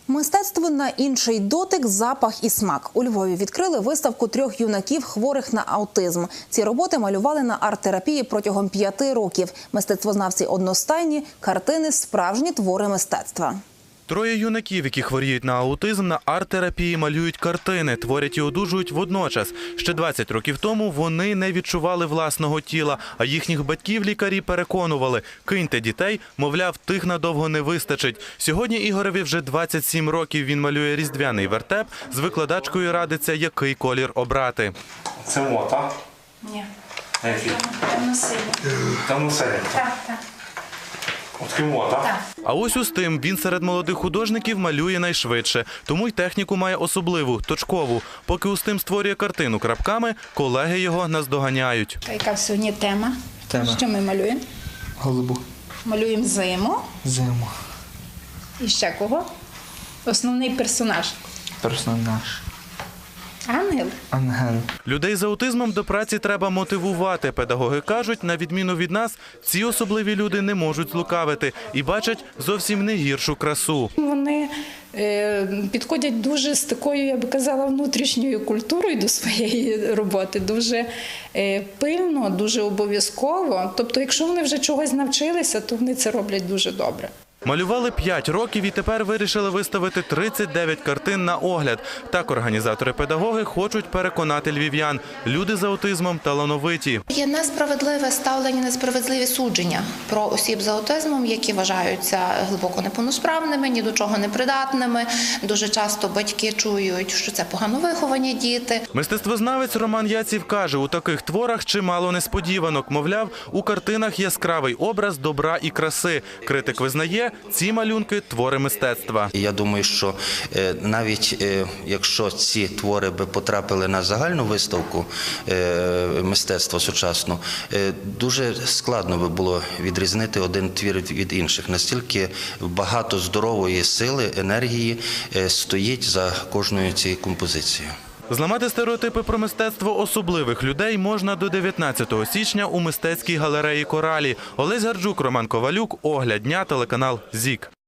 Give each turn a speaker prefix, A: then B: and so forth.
A: Мистецтво на інший дотик, запах і смак. У Львові відкрили виставку 3 юнаків, хворих на аутизм. Ці роботи малювали на арт-терапії протягом 5 років. Мистецтвознавці одностайні, картини – справжні твори мистецтва.
B: 3 юнаків, які хворіють на аутизм, на арт-терапії малюють картини, творять і одужують водночас. Ще 20 років тому вони не відчували власного тіла, а їхніх батьків лікарі переконували – киньте дітей, мовляв, тих надовго не вистачить. Сьогодні Ігореві вже 27 років, він малює різдвяний вертеп, з викладачкою радиться, який колір обрати.
C: Це мота?
D: Ні.
C: Який?
D: Темно-синій.
C: Темно-синій.
D: Так, так.
C: От мота?
D: Так.
B: А ось у Стим він серед молодих художників малює найшвидше, тому й техніку має особливу, точкову. Поки Устим створює картину крапками, колеги його наздоганяють.
D: Яка сьогодні тема?
E: Тема.
D: Що ми малюємо?
E: Голубу.
D: Малюємо зиму.
E: Зиму.
D: І ще кого? Основний персонаж.
E: Персонаж.
D: Ангел.
E: Ангел.
B: Людей з аутизмом до праці треба мотивувати. Педагоги кажуть, на відміну від нас, ці особливі люди не можуть злукавити і бачать зовсім не гіршу красу.
D: Вони підходять дуже з такою, я би казала, внутрішньою культурою до своєї роботи. Дуже пильно, дуже обов'язково. Тобто, якщо вони вже чогось навчилися, то вони це роблять дуже добре.
B: Малювали 5 років і тепер вирішили виставити 39 картин на огляд. Так організатори-педагоги хочуть переконати львів'ян. Люди з аутизмом талановиті.
F: Є несправедливе ставлення, несправедливі судження про осіб з аутизмом, які вважаються глибоко неповносправними, ні до чого непридатними. Дуже часто батьки чують, що це погано виховані діти.
B: Мистецтвознавець Роман Яців каже, у таких творах чимало несподіванок. Мовляв, у картинах яскравий образ добра і краси. Критик визнає, ці малюнки – твори мистецтва.
G: Я думаю, що навіть якщо ці твори би потрапили на загальну виставку мистецтва сучасного, дуже складно би було відрізнити один твір від інших. Настільки багато здорової сили, енергії стоїть за кожною цією композицією.
B: Зламати стереотипи про мистецтво особливих людей можна до 19 січня у мистецькій галереї «Коралі». Олесь Гарджук, Роман Ковалюк. Огляд дня, телеканал ЗІК.